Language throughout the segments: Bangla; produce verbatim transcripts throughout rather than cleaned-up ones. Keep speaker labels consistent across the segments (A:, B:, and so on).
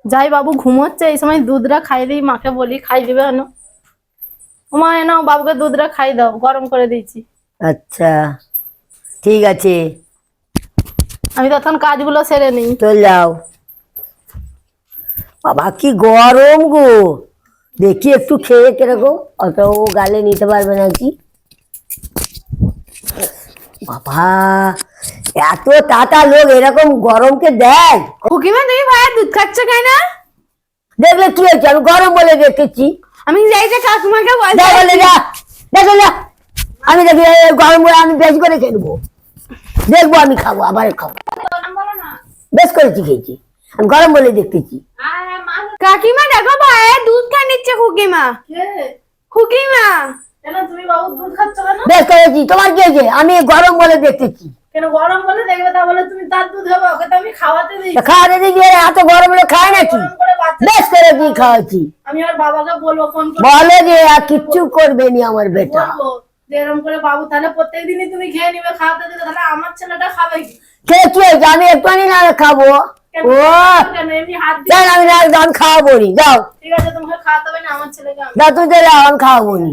A: যাই বাবু ঘুমোচ্ছে, এই সময় দুধটা খাই দিই, মাকে বলি খাই দিবে না। মা এনাও বাবুকে দুধটা খাই দাও, গরম করে দিয়েছি।
B: আচ্ছা ঠিক আছে,
A: আমি তখন কাজগুলো সেরে নিই।
B: চল যাও। বাবা কি গরম গো, দেখি একটু খেয়ে কিরকম, অত ও গালে নিতে পারবে নাকি। বাবা এত টাটা লোক এরকম গরমকে দেয়।
A: খুকিমা তুমি ভাইয়ের দুধ খাচ্ছ কেন?
B: দেখলে কি হয়েছে, আমি গরম বলে দেখেছি।
A: আমি যাই যে কাকিমাকে বলছি।
B: দেখলে যা দেখো যা, আমি দেখি এই গরম বলে আমি বেশি করে খেয়ে নেবো, দেখবো আমি খাবো আবার খাবো। বেশ করেছি খেয়েছি, আমি গরম বলে দেখতেছি।
A: কাকিমা দেখো ভাইয়ের দুধ খা নিচ্ছে খুকিমা। খুকিমা কেন তুমি বাবুর দুধ খাচ্ছ কেন?
B: বেশ করেছি, তোমার কি হয়েছে, আমি গরম বলে দেখতেছি।
A: কেন গরম বলে দেখবে, তা বলে তুমি তার দুধ হবে, ওকে তো আমি খাওয়াতে দিই।
B: খাওয়াতে দিচ্ছি, এত গরম হলে খায় নাকি? বেশ করেছি খাওয়াচ্ছি।
A: আমি আর বাবাকে বলবো ফোন করে,
B: বলে যে আর কিচ্ছু করবে নি আমার বেটা।
A: বলবো যে এরকম করে বাবু তাহলে প্রত্যেকদিনই তুমি খেয়ে নিবে, খাওয়াতে দিলে তাহলে আমার ছেলেটা খাবে কি?
B: কে কি হয়েছে, আমি একটুখানি না খাবো। ও
A: কেন এমনি হাত দিয়ে?
B: যাই আমি না আমি খাওয়াবো নি, যাও
A: ঠিক আছে, তোমাকে খাওয়াতে হবে না, আমার ছেলেকে আমি
B: যাও, তুই চলে আমি খাওয়াবো নি।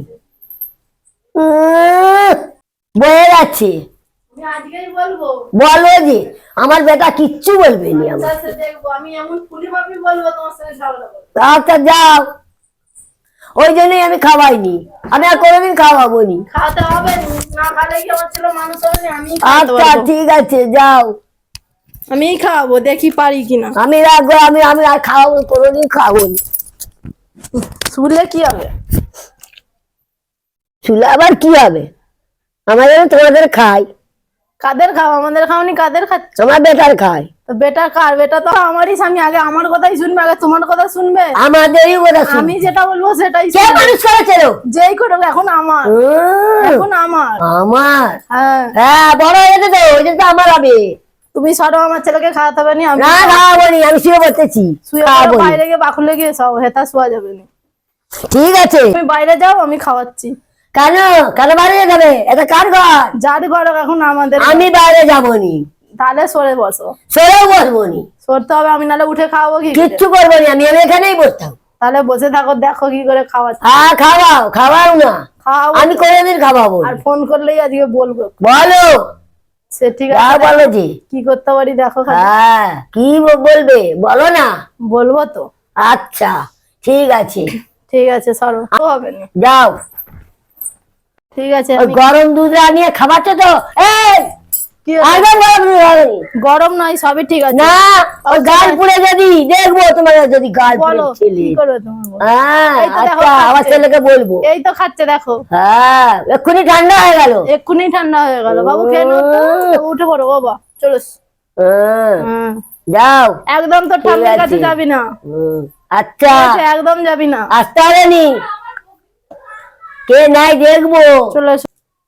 B: উম, বয়ে যাচ্ছে।
A: আমি আজকেই বলবো।
B: বলো যে আমার বেটা কিচ্ছু বলবে নি আমার।
A: আচ্ছা দেখবো, আমি এমন ফুলি ভাবি বলবো তোমার সঙ্গে ঝগড়া করবো।
B: আচ্ছা যাও, ওই জন্যই আমি খাওয়াইনি, আমি আর কোনোদিন খাওয়াবো নি।
A: খাওয়াতে হবে না, খালে কি আমার ছেলে মানুষ হবে না? আমি
B: আচ্ছা ঠিক আছে যাও,
A: আমি খাওয়াবো, দেখি পারি কিনা।
B: আমি রাখবো, আমি আমি আর খাওয়াবো, কোনোদিন খাওয়াবো নি।
A: শুনলে কি হবে?
B: শুলে আবার কি হবে, আমাদের তোমাদের খাই,
A: কাদের খাও? আমাদের খাওনি, কাদের খাচ্ছ?
B: আমার বেটার খাই।
A: তো বেটা কার? বেটা তো আমারই স্বামী, আগে আমার কথাই শুনবে, আগে তোমার কথা শুনবে?
B: আমাদেরই কথা শুনবে।
A: আমি যেটা বলবো সেটাই
B: কে
A: শুনবে।
B: মানুষ করেছে রে?
A: যেই করুক এখন আমার,
B: উম,
A: এখন আমার।
B: আমার
A: হ্যাঁ
B: হ্যাঁ বড় হয়েছে তো, ওই জন্য তো আমার হবে।
A: তুমি সরো, আমার ছেলেকে খাওয়াতে হবে না। আমি
B: না খাওয়াবো নি, আমি শুয়ে বসেছি,
A: শুয়ে
B: খাওয়াবো নি।
A: বাইরে গিয়ে বাকুলে গিয়ে সব হেতা শোয়া যাবে না।
B: ঠিক আছে,
A: তুমি বাইরে যাও, আমি খাওয়াচ্ছি।
B: কেন কেন বাইরে যাবে, এটা কার ঘর?
A: যার ঘর এখন আমাদের।
B: আমি বাইরে যাবো নি,
A: তাহলে সরে বসো।
B: সরেও বসবো নি,
A: সরতে হবে, আমি নাহলে উঠে খাওয়াবো কি করে?
B: কিচ্ছু করবো নি, আমি আমি এখানেই বসতাম।
A: তাহলে বসে থাকো, দেখো কি করে খাওয়াচ্ছি।
B: হ্যাঁ খাওয়াও, খাওয়াও না,
A: খাওয়াবো
B: আমি কোনোদিন খাওয়াবো
A: আর
B: নি।
A: ফোন করলেই আজকে বলবো।
B: বলো
A: সে ঠিক
B: যা
A: আছে,
B: বলো
A: দেখো
B: যে।
A: কি করতে পারি দেখো খালি।
B: হ্যাঁ কি ব- বলবে বলো না।
A: বলবো তো।
B: আচ্ছা ঠিক আছে,
A: ঠিক আছে সরো, ও হবে না।
B: যাও।
A: ঠিক আছে,
B: ওই
A: আমি
B: গরম দুধ আনিয়ে খাবারটা তো, এই
A: কি হয়েছে?
B: একদম গরম দুধ আনি।
A: গরম নয়, সবই ঠিক আছে।
B: না ওই গাল পুড়ে যদি দেখবো, তোমার যদি গাল পুড়ে
A: বলো
B: ছেলে।
A: কি করবে তোমার বলো।
B: হ্যাঁ
A: এই তো দেখো
B: আচ্ছা, আমার
A: খাচ্ছে।
B: ছেলেকে বলবো।
A: এই তো খাচ্ছে দেখো,
B: হ্যাঁ এক্ষুনি ঠান্ডা হয়ে গেল।
A: এক্ষুনি ঠান্ডা হয়ে গেল। বাবু খেয়ে নাও তো, উঠে পড়ো বাবা, চলো।
B: হ্যাঁ,
A: হুম,
B: যাও।
A: একদম তো ঠান্ডার
B: আছে।
A: কাছে যাবি না।
B: হুম, আচ্ছা
A: বলছে একদম যাবি না।
B: আসতে হবে নি, কে নাই দেখবো।
A: চলে এসো।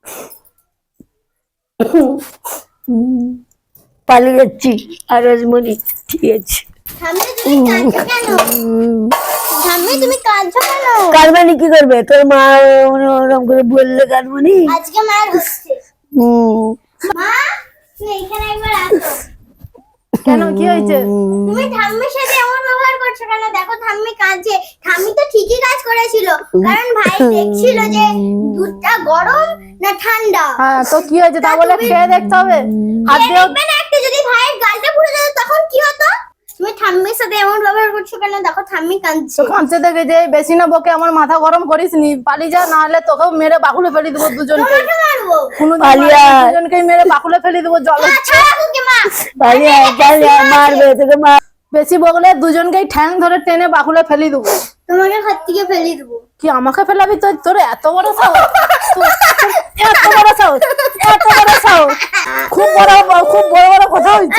B: পালিয়ে যাচ্ছি আর রাজমণি, ঠিক আছে।
C: ঠাম্মি তুমি কাঁদছো কেন? ঠাম্মি তুমি কাঁদছো কেন?
B: কারমানি কি করবে, তোর মা ওরকম করে বললে কারমানি।
C: আজকে মার হচ্ছে।
B: হুম
C: মা তুমি এখানে একবার আসো।
A: কেন কি হয়েছে?
C: তুমি ঠাম্মির সাথে এমন ব্যবহার করছো কেন? দেখো ঠাম্মি কাঁদছে। ঠাম্মি তো ঠিকই কাজ করেছিল, কারণ ভাই দেখছিল যে দুধটা গরম না ঠান্ডা।
A: হ্যাঁ তো কি হয়েছে, তা বলে খেয়ে দেখতে হবে? হাত
C: খেয়ে
A: দিয়েও
C: দেখবে না একটা, যদি ভাইয়ের গালটা পুড়ে যেত তখন কি হতো? তুমি ঠাম্মির সাথে এমন ব্যবহার করছো কেন? দেখো ঠাম্মি কাঁদছে।
A: তো কাঁদছে দেখে যে বেশি না বকে আমার মাথা গরম করিস নি, পালিয়ে যা, না হলে তোকেও মেরে বাকুলে ফেলে দেবো দুজনকে।
C: তোমাকে মারবো।
A: কোনোদিন
B: পালিয়ে
A: মারবো,
B: আয়।
A: দুজনকেই মেরে বাকুলে ফেলে দেবো জল।
C: মা ছাড়া ওকে মা।
B: পালিয়ে আয়, পালিয়ে আয়, মারবে তোকে মার।
A: বেশি বকলে দুজনকেই ঠ্যাং ধরে টেনে বাকুলে ফেলে দেবো।
C: তোমাকে হাত থেকে ফেলে দেবো।
A: কি আমাকে ফেলাবি? তোর তোর এত বড় সাহস, তোর এত বড় সাহস, এত বড় সাহস, খুব বড় খুব বড় বড় কথা হয়েছে।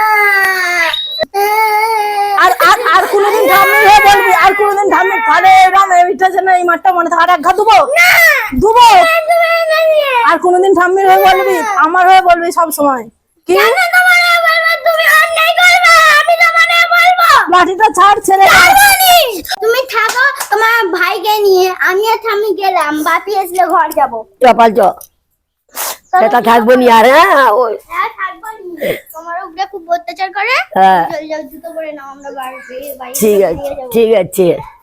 A: আর আর আর কোনোদিন ঠাম্মি হয়ে বলবি, আর কোনোদিন ঠাম্মি তাহলে এরকম এইটা যেন এই মাঠটা মনে থাকে, আর এক ঘা দুবো দুবো। আর কোনোদিন ঠাম্মির হয়ে বলবি, আমার হয়ে বলবি সব সময়। কি
C: তুমি অন্যায় করবে, আমি তোমাকে বলবো।
A: লাঠিটা ছাড়, ছেড়ে দে।
C: তুমি থাকো তোমার ভাইকে নিয়ে, আমি আর ঠাম্মি গেলাম, বাপি আসলে ঘর যাবো।
B: চপাল চ সেটা থাকবো নি আর। হ্যাঁ ওই
C: হ্যাঁ থাকবো নি। তোমার উপরে খুব অত্যাচার করে।
B: হ্যাঁ
C: চল যাও জুতো পরে নাও আমরা বাড়ি বাড়ি
B: ঠিক আছে ঠিক আছে।